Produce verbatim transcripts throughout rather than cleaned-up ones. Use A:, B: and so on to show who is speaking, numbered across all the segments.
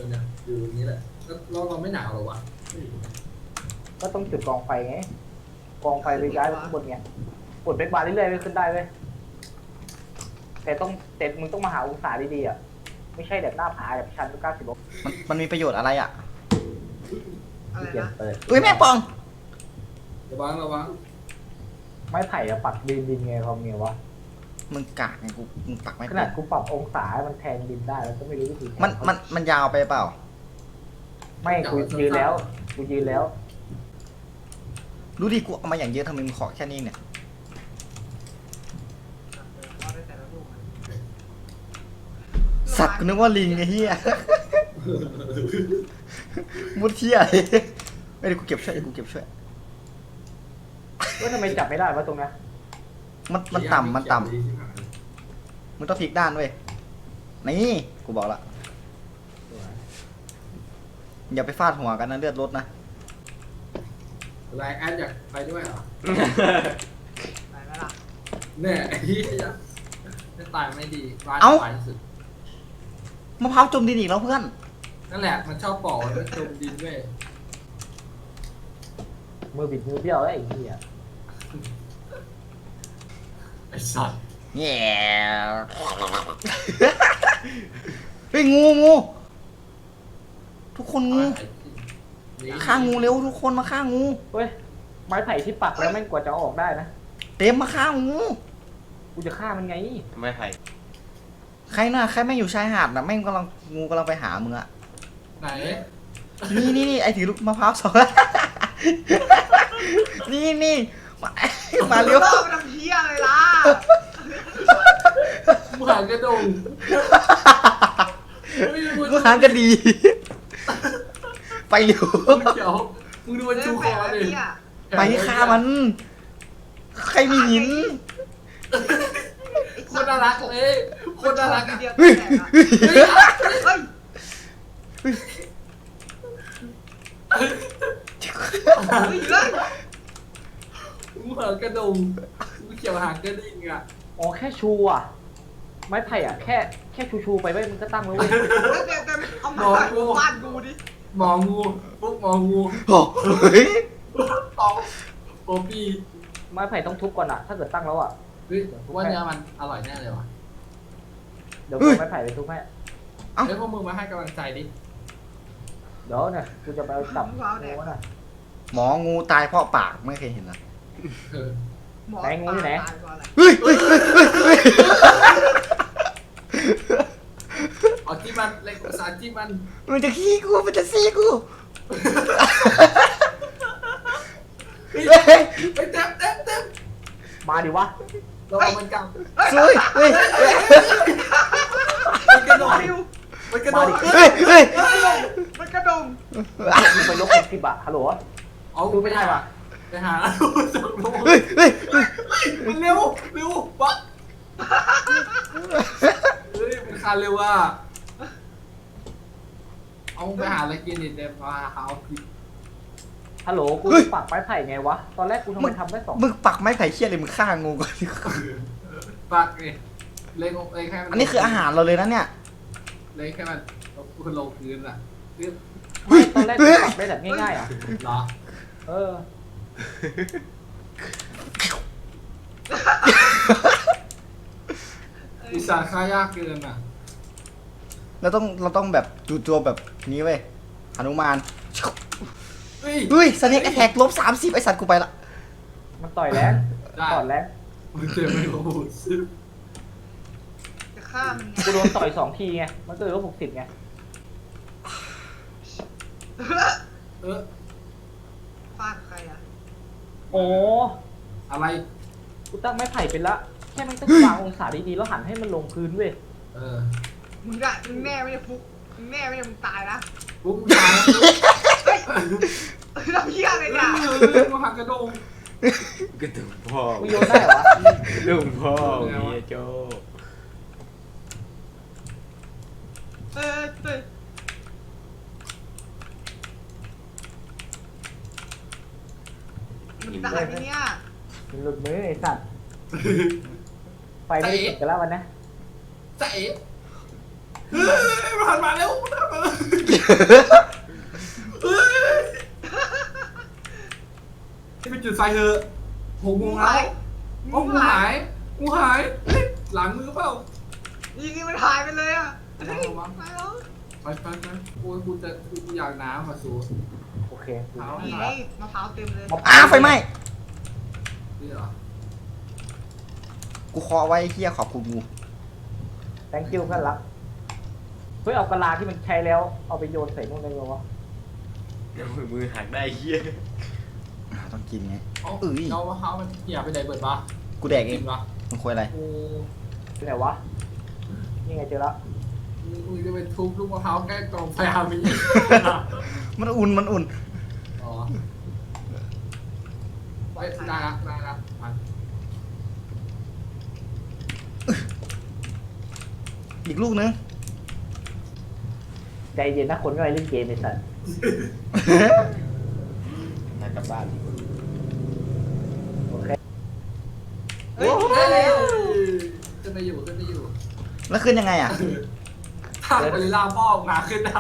A: อเนี่ยอยู่ตรงนี้แหละแล้วเราเราไม่หนาวหรอวะ
B: ก็ต้องจุดกองไฟไงกองไฟไปย้ายไปข้างบนไงกดเบรกบาร์เรื่อยๆไปขึ้นได้เว้ยแต่ต้องแต่มึงต้องมาหาองศาดีๆอ่ะไม่ใช่แบบหน้าผาแบบชันเก้าสิบองศา
C: มันมันมีประโยชน์อะไรอ่ะ
D: อะไร
B: เกีย
D: นะ
B: เปิด
C: อุ้ยแม่ปอง
A: ระวังระวัง
B: ไม้ไผ่อะปักดินดินไงความเงี้ยวะ
C: มึงกากไงกูมึงปักไม่
B: ข
C: เป็
B: นาด
C: น
B: กูปรับองศาให้มันแทงดินได้แล้วก็ไม่รู้วิธี
C: มันมันมันยาวไปเปล่า
B: ไม่กูยืนแล้วกูยืนแล้ว
C: รู้ดิกูเอามาอย่างเยอะทำไมมึงขอแค่นี้เนี่ย
D: เอาได้แต่ละลูกอะ
C: สัตว์กูนึกว่าลิงไอ้เหี้ย มุดเที่ยเลยไม่ได้กูเก็บช่วยกูเก็บช่วย
B: ว่าทำไมจับไม่ได้วะตรงนั้น
C: มันมันต่ำมันต่ำมึงต้องพลิกด้านเว้ย นี่กูบอกละอย่าไปฟาดหัวกันนะเลือดลดนะ
A: ไลน์แอดอยากไปด้วยเหรอ
D: ไหนไหมล่ะ
A: เนี่ยไอ้เหี้ยจะตายไม่ดีร้านตายที่สุด
C: มะพร้าวจมดินอีกแล้วเพื่อน
A: นั่นแหละมันชอบปอกแล้วจมดินด้วย
B: มือบิดมือเบี้ยวแล้วไอ้เหี้ย
A: ไอ้สัตว์
C: แง่ เฮ้ยงูงูทุกคนงูฆ่างูเร็วทุกคนมาฆ่างู
B: เฮ้ยไม้ไผ่ที่ปักแล้วแม่งกว่าจะเอาออกได้นะ
C: เต็มมาฆ่างู
B: กูจะฆ่ามันไง
E: ไม่ไผ่
C: ใครน่ะใครไม่งอยู่ชายหาดน่ะแม่งกำลังงูกำลังไปหามึงอะ
A: ไหน
C: นี่นี่นี่ไอถือลูกมะพร้าวสอง นี่นี่มามาเร็ว
D: ล่อไปทำเพี้ยอะไรล่ะ
A: มึงหางกระดง
C: มึงหางกันดี ไปเร็ว
A: มึงเดี๋ยวมึงดูมัน
D: เล่
A: ชู
D: น
A: ค
D: แปะ
A: อ
D: แล้ว
A: ดิ
D: เนี่ย
C: ไปฆ่ามัน ใครมีหิน
A: โคนน่ารักเลยโคนน่ารัก
D: ที
A: อะ
D: เดียว
C: เฮ้ย
D: แตกอะเฮ้ย
C: เฮ้ย
D: เฮ้ยเฮ้ย
A: มึงหางกระดงมึงเกี่ยวหางกระดิ่งอ่ะ
B: อ๋อแค่ชูอ่ะ ไม้ไผ่อ่ะแค่แค่ชูชูๆไปเว้ยมันก็ตั้งแล้วเว้ย
D: เดี๋ยวเดี๋ยวเอามาฟาดกูดิ
A: หมองูพวกหมองู
C: โอ้เฮ้ย
A: ตองโปปี้
B: ไม้ไผ่ต้องทุบก่อนอ่ะถ้าเกิดตั้งแล้วอ่ะ
A: เฮ้ยว่าเนื้อมันอร่อยแน่เลยว่ะ
B: เดี๋ยวเอาไม้ไผ่ไปทุบให้
A: เฮ้ยพวกมึงมาให้กำลังใจดิ
B: เดี๋ยวเนี่ยกูจะไปเอาจับงูน่ะ
C: หมองูตายเพราะปากไม่เคยเห็นนะ
A: เออ
D: หมอ
B: ไหนงูอยู่ไหน
D: ตายก่อนเลย
C: เฮ้ยเฮ้ยเฮ้ยเฮ้ย
A: เอาที่มันเล็กภาษาที่มัน
C: มันจะขี้กูมันจะซี่กู
A: เฮ้ย
C: เฮ้ย
A: เฮ้ยเต็มเต็มเต็ม
B: มาดิวะ
A: เราเอามันกำ
C: สวยเฮ้ย
A: มันกระโดด
D: ฟิว
A: มันกระโดด
C: เฮ้ยเฮ้ย
D: มันกระดง
B: มึงไปยกเป็นสิบอะฮัลโหล
A: เอา
B: ดูไม่ได้ว่ะ
A: ไปหาจับลง
C: เฮ้ยเฮ้ยเฮ้ย
A: มันเร็วเร็ววะเฮ้ยมันคานเร็วอ่ะเอาไปหาอะไรกินดิเดี๋ยวมาหาเอาผิด
B: ฮัลโหลกูปักไม้ไผ่ไงวะตอนแรกกูทำไมทำได้สอง
C: มึงปักไม้ไผ่เชี่ยเลยมึงฆ่างูก่อน
A: ปากเลยเล็กเล็กแค่
C: อันนี้คืออาหารเราเลยนะเนี่ย
A: เล็กแค่มันคุณลงพื้นอ่ะคือ
B: ไม่ตอนแรกกูปักได้แบบง่ายๆอ่ะ
A: เหรอ
B: เออ
A: วิสาค่ายากเกินอ่ะ
C: เราต้องเราต้องแบบจู่โจมแบบนี้เว้ยหนุมาน
A: เฮ้ย
C: เฮ้ยสเน็กแอทแทกลบสามสิบไอสัตว์กูไปละ
B: มันต่อยแรงต่อยแรง
A: มันเจอไม่รู้ซึบ
D: จะฆ่ามันไง
B: กูโดนต่อยสองทีไงมันก็เลยลบหกสิบไง
A: เออ
D: ฟาดใครอ่ะ
B: โอ้
A: อะไร
B: กูตั้งไม้ไผ่เป็นละแค่ไม่ต้องวางองศาดีๆแล้วหันให้มันลงพื้นเว้ย
A: เออ
D: มึงอะมึงแน่ไม่ได้ฟุกมึงแน่ไม่ได้มึงตายนะ
A: ปุ๊บตาย
D: ทำเพี้ยอะไรเนี่ย
A: เรื่องหักกระโดง
E: กระดุมพ่อ
B: กูโยนได้เหรอวะ
E: กระดุมพ่อเมียโจ
D: เออเฮ้ยมันตายไปเนี่ย
B: มันหลุดมือไอ้สัตว์ไฟไม่ได้ติดกันแล้ววันนะ
A: ใจเฮ้ยมันหันมาแล้วมันหันมาที่เป็นจุดไฟเถอะหกโมงแล้วโอ้งูหายงูหายเฮ้ยหลังมือเปล่า
D: ยิงนี่มันหายไปเลยอ่ะเฮ้ย
A: เอาวะ
D: ไปแล้ว
A: ไปไปไปโอ้ยกูจะกูอยากน้ำอ่ะสู
B: โอเค
A: เอา
D: นี่ไงมะพร้าวเต็มเลย
C: อ้าไฟไหม้
A: นี่เหรอ
C: กูเคาะไว้เฮียขอบคุณงู
B: thank you เพื่อนรักเฮ้ยเอากะลาที่มันใช้แล้วเอาไปโยนใส่นู่นได้ไหมวะ
E: เดี๋ยวมือหักได้เฮีย
C: อ่าต้องกินไง
A: เอ้า
C: เอ้ย
A: เรามะพร้าวมันเหี่ยไปไหนเบิดปะ
C: กูแดกเอ
A: จริ
C: ง
A: งปะ
C: มึงคุยอะไร
A: กู
B: ที่ไหนวะนี่ไงเจอแล้ว
A: มึงจะไปทุบลูกมะพร้าวใกล้กองไฟอามี
C: มันอุ่นมันอุ่น
A: อ๋อไปได้ละได้ละมา
C: อีกลูกนึง
B: ใจเย็นนะคนก็ไปเล่นเกมไอ้สัส
E: มากลับบ้าน
B: โอเค
A: เฮ้ยได้แล้วขึ้นไปอยู่ขึ้นไปอยู่
C: แล้วขึ้นยังไงอ่ะ
A: ถ้าไปล่าพ่อมาขึ้นได้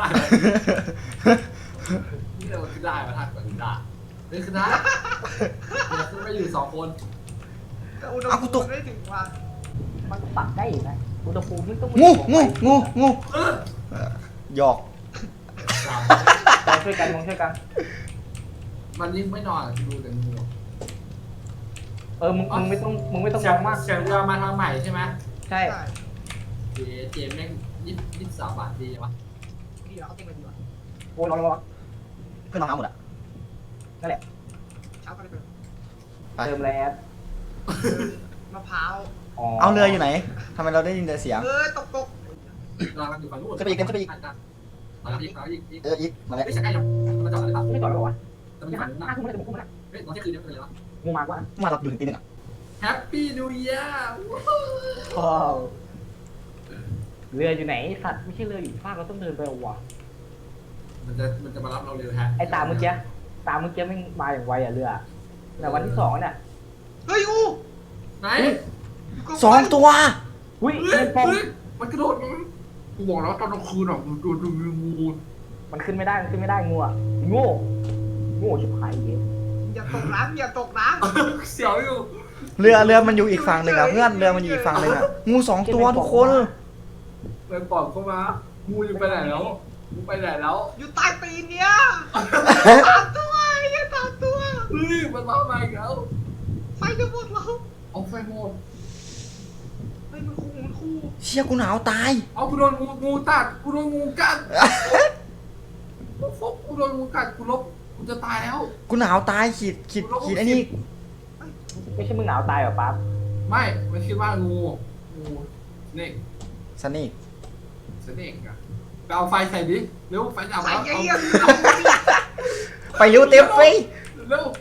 A: นี่เราขึ้นได้มาทักกว่านี้ได้เฮ้ยขึ้นได้เราขึ้นไปอยู่สองคน
D: แต่อุณห
C: เอากู
D: ภู
C: ตก
D: มิไม่ถึงว่า
B: มันปรับได้อีกนะอุณหภูมิไม่ต้อง
C: งูงูงูงู
A: เออ
C: เอ่อหยอก
B: ลองช่วยกันลองช่วยกัน
A: มันยิ่งไม่นอนดูแต่งู
B: เออมึงมึงไม่ต้องมึงไม่ต้อง
A: เสี
B: ม
A: ย
B: อง งมาก
A: เสียงเรือมาทางใหม่ใช่ไหม
B: ใช่
D: ใช่
A: เจเจแม่งยี่สิบสามบาทดีวะ
D: ดีแล้วเอาเต็มไปดีกว่า
B: โอ้ยร้อนร้อน
C: เพื่อนน้องเอาหมดอ่ะ
B: นั่นแหละ
D: เช้าก็ได้เปิด
C: ไป
B: เติมแลด
D: มะพร้าว
C: เอาเรืออยู่ไหนทำไมเราได้ยินแต่เสียง
D: เออตกตก
A: เราอยู่ฝั่งนู้น
C: ขึ้นไปอีกขึ้นไปอีก
A: มาอีกมาอีกอีก
C: เอออีกมาแล้ว
A: ไม่ใช่ใกล้ยังมาจอดเลยปะ
B: ไม่ต่อยหรอวะ
A: จะมี
B: ห้า
A: ฝั่งนู้นนะ
B: ห้าทุ่มแล้วจะมุ่งแล้ว
A: เฮ้ยตอนเที่ยงคืนเนี่ยเป็นไรวะ
B: งูมากว่า
C: มาเราอยู่ถึงตีหนึ่งอ่ะ
A: แฮปปี้นิวเยียร์
B: ว้าวเรืออยู่ไหนสัตว์ไม่ใช่เรืออยู่ฟากเราต้องเดินไปเอาวะ
A: มันจะมันจะมารับเราเร็วฮะ
B: ไอ้ตาเมื่อกี้ตาเมื่อกี้ไม่มาอย่างไวอ่ะเรือแต่วันที่สองเนี่ย
D: เฮ้ยอู
A: ไหน
D: ยู่กับ
C: สองตัว
B: อุ้ย
A: เฮ้ย
B: เงินปอง
A: เฮ้ยมันกระโดดมันกูบอกแล้วตอนกลางคืนอ่ะมันโดนดูงู
B: มันขึ้นไม่ได้มันขึ้นไม่ได้งูอ่ะโง่โง่ชิบหายเย็น
D: อย่าตกน้ำอย่าตกน้
A: เสียวอยู่
C: เรือเรือมันอยู่อีกฝั่งหนึ่งอ่ะเพื่อนเรือมันอยู่อีกฝั่งหนึ่งอ่ะงูสองตัวทุกคน
A: เลยปอบเข้ามางูอยู่ไปไหนแล้วงูไปไหนแล้ว
D: ำอยู่ใต้ตีนเนี้ยสามตัวอย่าสามตัว
A: เฮ้ยมันมาใหม่แล้ว
D: ไฟจะหมดแล้ว
A: เอาไฟหมด
D: เฮ้ยมันคู่มันคู่
C: เชี่ยกูหนาวตาย
A: เอากูโดนงูงูตัดกูโดนงูกัดกูฟกกูโดนงูกัดกูลบกูจะตายแล้ว
C: กูหนาวตายขีดขีดขีดไอ้นี่
B: ไม่ใช่มึงหนาวตายเหรอปั๊บ
A: ไม่ไม่คิดว่างูงูเนก
C: ซันนี่
A: สเนกอะไปเอาไฟใส่ดิเร็วไฟดับ
D: ใส่
A: แล้ว
D: เยี่ยม
C: ไปเร็วเต็มไฟ
A: เร็ว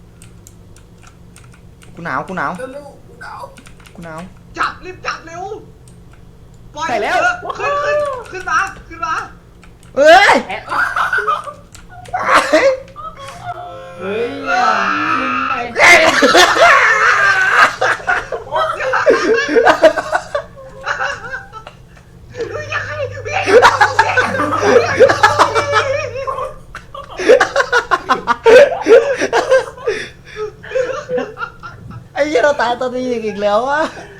C: กูหนาวกูหนาว
A: เร็วเร็วกูหนาว
C: กูหนาว
D: จับรีบจับเร็วปล่อย
B: ใส่แล้ว
D: เถอะขึ้นขึ้นขึ้นมาขึ้นมา
C: เอ้ย
B: แอะเฮ้ยมึงไป
D: ดูยังไงเวียนอยู่ตรงนี้
C: ไอ้เหี้ยเราตายตอนนี้อีกแล้ววะ